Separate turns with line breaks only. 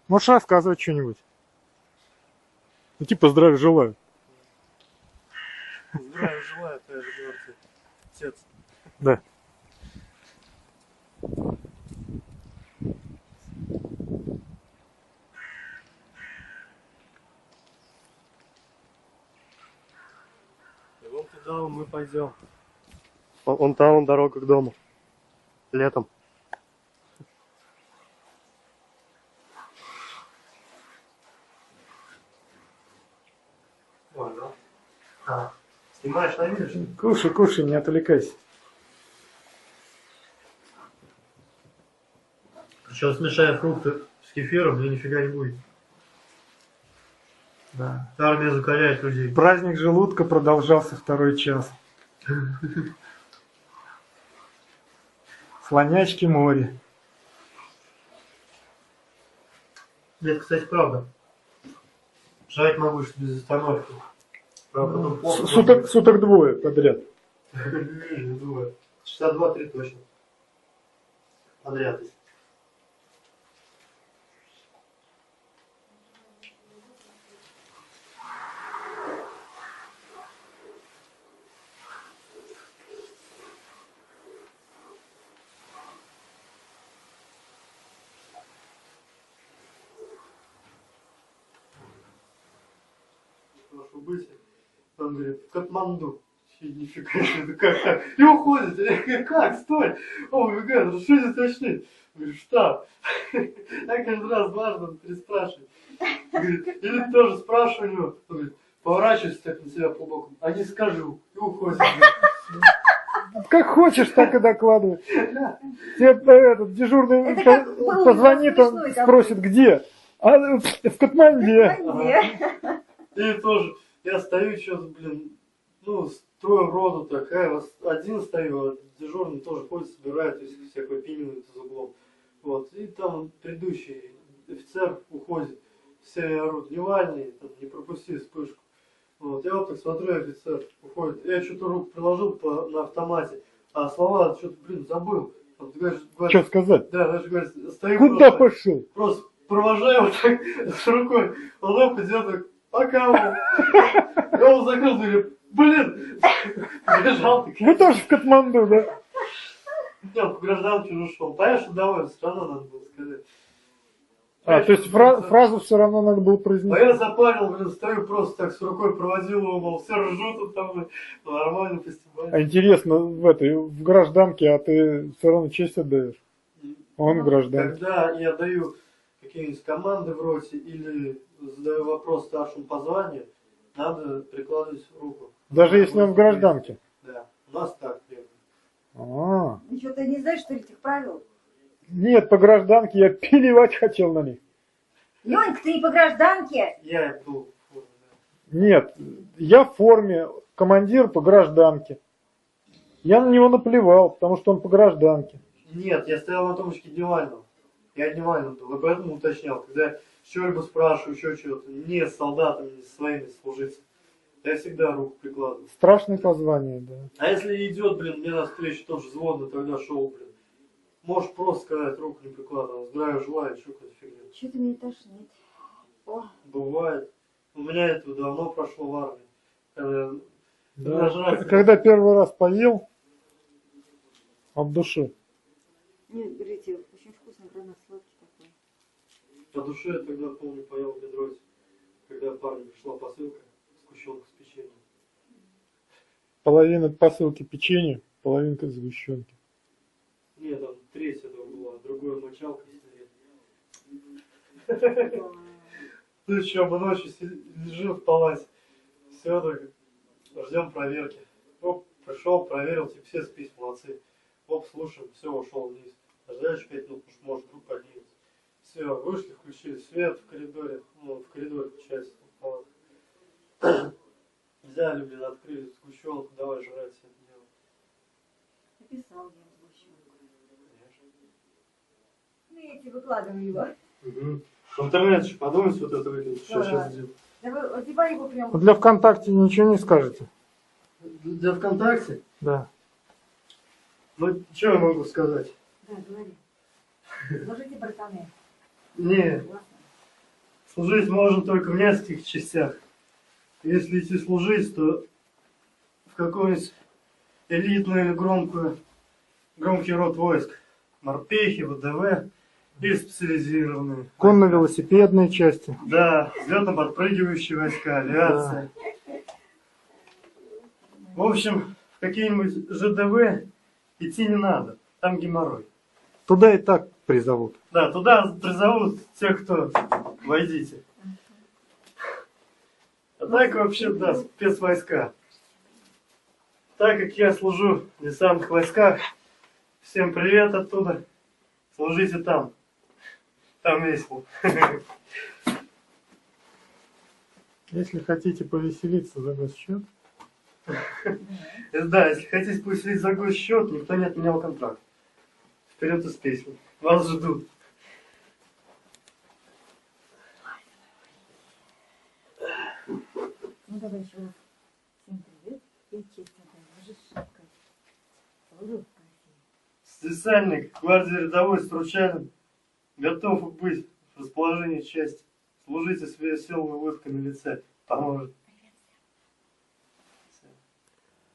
Можешь рассказывать что-нибудь? Ну типа здравия желаю.
Здравия желаю, ты же говорите, отец.
Да.
И вон туда мы пойдем. Вон там дорога к дому. Летом. Ой, да? А, снимаешь на видео, что ли?
Кушай, кушай, не отвлекайся.
Причем смешая фрукты с кефиром, мне нифига не будет.
Да.
Армия закаляет людей.
Праздник желудка продолжался второй час. Слонячки море.
Нет, кстати, правда. Жрать могу что без остановки. Правда, потом плохо.
Суток двое подряд.
Не думаю. Часа 2-3 точно. Подряд. Прошу быть. Он говорит, в Катманду. Нифига себе, как так? И уходит. Я говорю, как? Стой! Он выбегает, что здесь точнее? Говорю, штаб. Я каждый раз важно переспрашивать. Говорит, или тоже спрашиваю у него. Он говорит, поворачивайся так на себя по боку. А не скажу. И уходит.
Как хочешь, так и докладывай. Тебе этот дежурный позвонит, он спросит, где? А в Катманде.
И тоже, я стою что-то, блин, ну, строю роду такая, один стою, а дежурный тоже ходит, собирает, всякое пинивает за углом. Вот, и там предыдущий офицер уходит, все орут, Невальный, там, не пропусти вспышку. Вот, я вот так смотрю, офицер уходит, я что-то руку приложил на автомате, а слова что-то, блин, забыл. Вот, говоришь,
Что сказать?
Да, даже говорит, стою
Куда пошел?
Просто провожаю вот так с рукой, он лоб идет так, пока он. Я его закрыл, говорю, блин, побежал.
Вы тоже в Катманду, да?
Я по гражданке уже ушел. Понятно, что довольно, все равно надо было сказать.
А, то есть фразу все равно надо было
А
произнести.
я запарил, блин, стою просто так с рукой проводил его, мол, все ржут там, нормально, фестиваль.
А интересно, в гражданке, а ты все равно честь отдаешь? Он в гражданке.
Когда я даю какие-нибудь команды в роте или задаю вопрос старшему по званию, надо прикладывать руку.
Даже если он в гражданке?
Да, у нас так примерно.
А.
Ничего, ты не знаешь, что ли, этих правил?
Нет, по гражданке я плевать хотел на них.
Ленька, ты не по гражданке?
Я был в форме, да.
Нет, я в форме, командир по гражданке. Я на него наплевал, потому что он по гражданке.
Нет, я стоял на тумбочке Дневального. Я Дневального был, и поэтому уточнял. Когда что-либо спрашиваю, еще чего-то, не с солдатами, не со своими служиться, я всегда руку прикладываю.
Страшное позвание, да.
А если идет, блин, мне навстречу тоже взводный, тогда шел, блин. Можешь просто сказать, руку не прикладывал. Здравия желаю, что какая-то фигня.
Что-то мне тошнит. О,
Бывает. У меня это давно прошло в армии.
Да. Когда первый раз поел, от души.
нет, берите, очень вкусный гранат, сладкий такой.
По душе я тогда, помню, поел в Бедросе, когда парню пришла посылка, сгущенка с печеньем.
Половина посылки печенья, половинка сгущенки.
Нет, там треть этого была, другое мочалка сигарет. Ну что, мы ночью лежим в палате, все так, ждем проверки. Оп, пришел, проверил, типа все спись, молодцы. Оп, слушаем, все, ушел вниз. Ждали еще 5 минут, потому что может вдруг поднимется. Все, вышли, включили свет в коридоре, ну, в коридоре включается палата. Взяли, блин, открыли сгущенку, давай жрать все это дело.
Написал я сгущенку. Ну, я тебе выкладываю его.
Угу. В интернет еще подумайте, вот это выглядит, что сейчас сделать.
Да вы, вот типа его прям...
Для ВКонтакте ничего не скажете?
Для ВКонтакте?
Да.
Ну, что я могу сказать?
Да, говори. Ложите братаны.
Не,
Согласна?
Служить можно только в нескольких частях. Если идти служить, то в какой-нибудь элитную или громкий род войск. Морпехи, ВДВ или специализированные.
Конно-велосипедные части.
Да, взлетно-подпрыгивающие войска, авиация. В общем, в какие-нибудь ЖДВ идти не надо. Там геморрой.
Туда и так призовут.
Да, туда призовут тех, кто войдите. А так вообще, да, спецвойска. Так как я служу в десантных войсках, всем привет оттуда. Служите там. Там весело.
Если хотите повеселиться за госсчет,
Да, если хотите повеселить за госсчет, никто не отменял контракт. Вперед из песни. Вас ждут.
Ну давай еще раз. Всем привет. И честно, можешь шапкой. Улыбка.
Специальник гвардии рядовой Стручалин готов быть в расположении части. Служите с веселой улыбкой на лице. Поможет.